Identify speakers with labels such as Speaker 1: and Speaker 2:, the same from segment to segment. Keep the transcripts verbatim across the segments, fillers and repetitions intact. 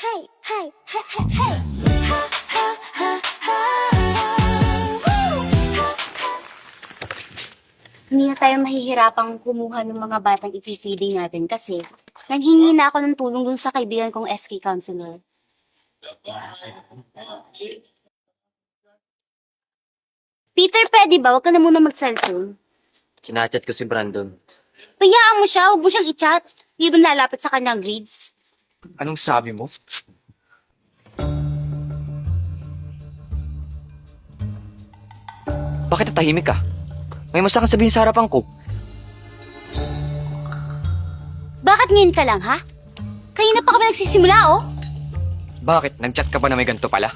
Speaker 1: Hey, hey, hey, hey, hey. Ha, ha, ha, ha. Woo! Ha, ha.
Speaker 2: Hindi na tayo mahihirapang kumuha ng mga batang ipipili natin kasi naghingi na ako ng tulong dun sa kaibigan kong S K counselor. Peter, pwede ba? Huwag ka na muna mag-cellphone.
Speaker 3: Chinachat ko si Brandon.
Speaker 2: Payaan mo siya, huwag mo siyang i-chat. Hindi ba lalapit sa kanyang grades?
Speaker 3: Anong sabi mo? Bakit natahimik ka? Ngayon mo sa akin sabihin sa harapan ko.
Speaker 2: Bakit ngayon ka lang, ha? Kanina pa kami nagsisimula, oh.
Speaker 3: Bakit? Nag-chat ka pa na may ganito pala?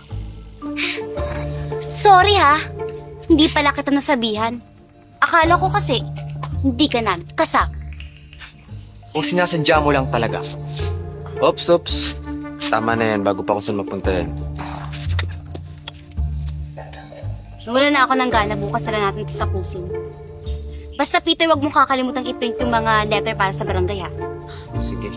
Speaker 2: Sorry, ha? Hindi pala kita nasabihan. Akala ko kasi, hindi ka na kasama.
Speaker 3: O sinasadya mo lang talaga?
Speaker 4: Ops, ops. Tama na yan, bago pa ako saan magpunta yan.
Speaker 2: Wala na ako ng gana, bukas na natin ito sa kusing. Basta Peter, wag mong kakalimutang i-print yung mga letter para sa barangay, ha?
Speaker 4: Sige.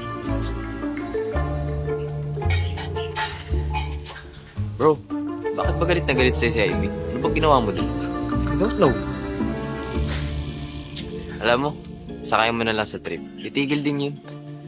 Speaker 4: Bro, bakit ba galit na galit sa'yo si Ivy? Ano bang ginawa mo dun?
Speaker 3: I don't know.
Speaker 4: Alam mo, sakay mo na lang sa trip. Titigil din yun.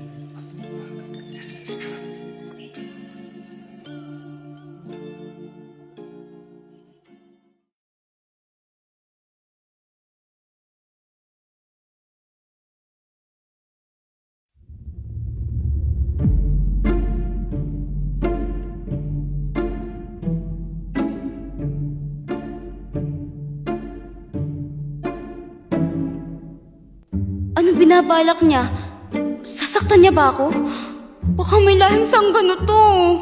Speaker 2: Ano binabalak niya? Sasaktan niya ba ako? Baka may lahing sanggano to.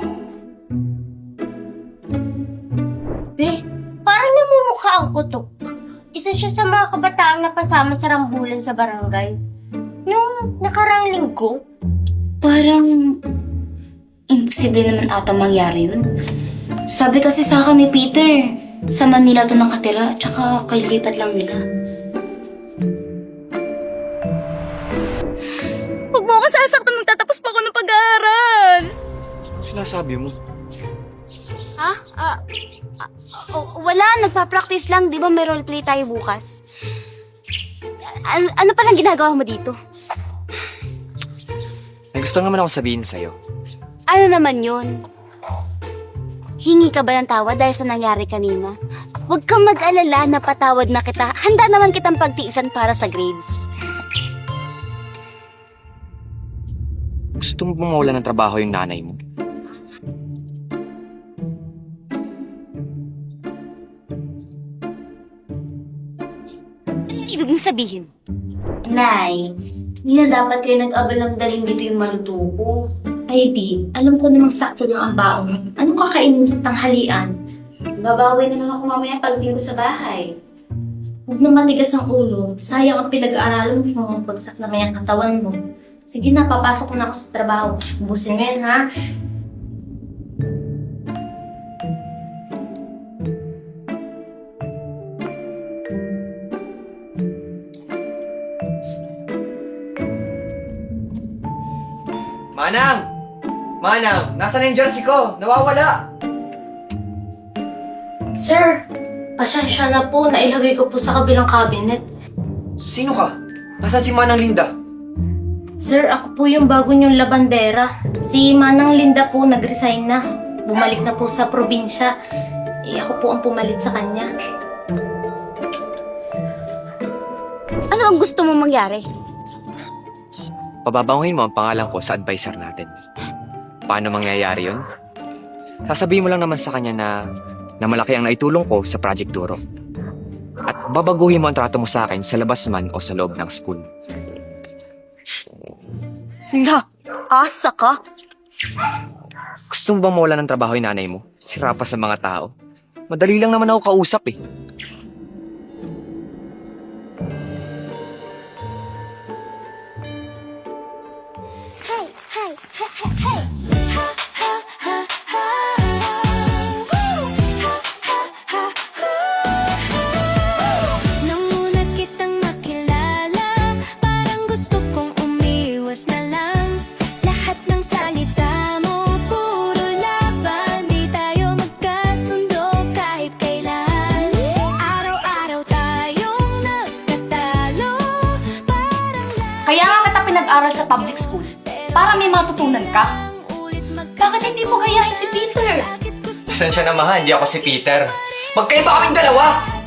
Speaker 5: Be, parang namumukha ang kutok. Isa siya sa mga kabataang napasama sa rambulan sa barangay. Nung nakarang linggo.
Speaker 2: Parang imposible naman ata mangyari yun. Sabi kasi sa akin ni Peter, sa Manila to nakatira, tsaka kalilipat lang nila. Huwag mo ako sasaktan, magtatapos pa ako ng pag-aaral.
Speaker 3: Ano sinasabi mo?
Speaker 2: Ha? Ah, ah, oh, wala, nagpa-practice lang. Di ba may roleplay tayo bukas? Ano, ano palang ginagawa mo dito?
Speaker 3: May gusto naman ako sabihin sa'yo.
Speaker 2: Ano naman yun? Hingi ka ba ng tawad dahil sa nangyari kanina? Huwag kang mag-alala, napatawad na kita. Handa naman kitang pagtiisan para sa grades.
Speaker 3: Gusto mo bang mawalan ng trabaho yung nanay mo?
Speaker 2: Anong ibig mong sabihin? Nay, hindi na dapat kayo nag-abal ng dalhin dito yung maluto ko.
Speaker 6: Ivy, alam ko namang sakto lang ang baon. Anong kakainin mo sa tanghalian?
Speaker 2: Babawi na lang ako mamaya pagdating ko sa bahay.
Speaker 6: Huwag na matigas ang ulo. Sayang ang pinag-aaralan mo. Bagsak naman yung katawan mo. Sige na, papasok na ako sa trabaho. Ubusin mo yan, ha?
Speaker 3: Manang! Manang! Nasaan na yung jersey ko? Nawawala!
Speaker 6: Sir, pasensya na po. Nailagay ko po sa kabilang cabinet.
Speaker 3: Sino ka? Nasaan si Manang Linda?
Speaker 6: Sir, ako po yung bago niyong labandera. Si Manang Linda po nag-resign na. Bumalik na po sa probinsya. Eh, ako po ang pumalit sa kanya.
Speaker 2: Ano ang gusto mo mangyari?
Speaker 3: Pababanguhin mo ang pangalan ko sa advisor natin. Paano mangyayari yun? Sasabihin mo lang naman sa kanya na, na malaki ang naitulong ko sa Project Duro. At babaguhin mo ang trato mo sa akin sa labas man o sa loob ng school.
Speaker 2: La, asa ka?
Speaker 3: Gusto mo bang mawala ng trabaho yung nanay mo? Sira pa sa mga tao? Madali lang naman ako kausap eh.
Speaker 1: Hey, hey, hey, hey, hey. Ha, ha, ha, ha. Woo! Ha, ha, ha, ha. Nang una kitang makilala, parang gusto kong umiwas na lang. Lahat ng salita mo,
Speaker 7: mag-aral sa public school para may matutunan ka. Bakit hindi mo gayahin si Peter?
Speaker 3: Pasensya na, mahal. Hindi ako si Peter. Magkaiba kaming dalawa!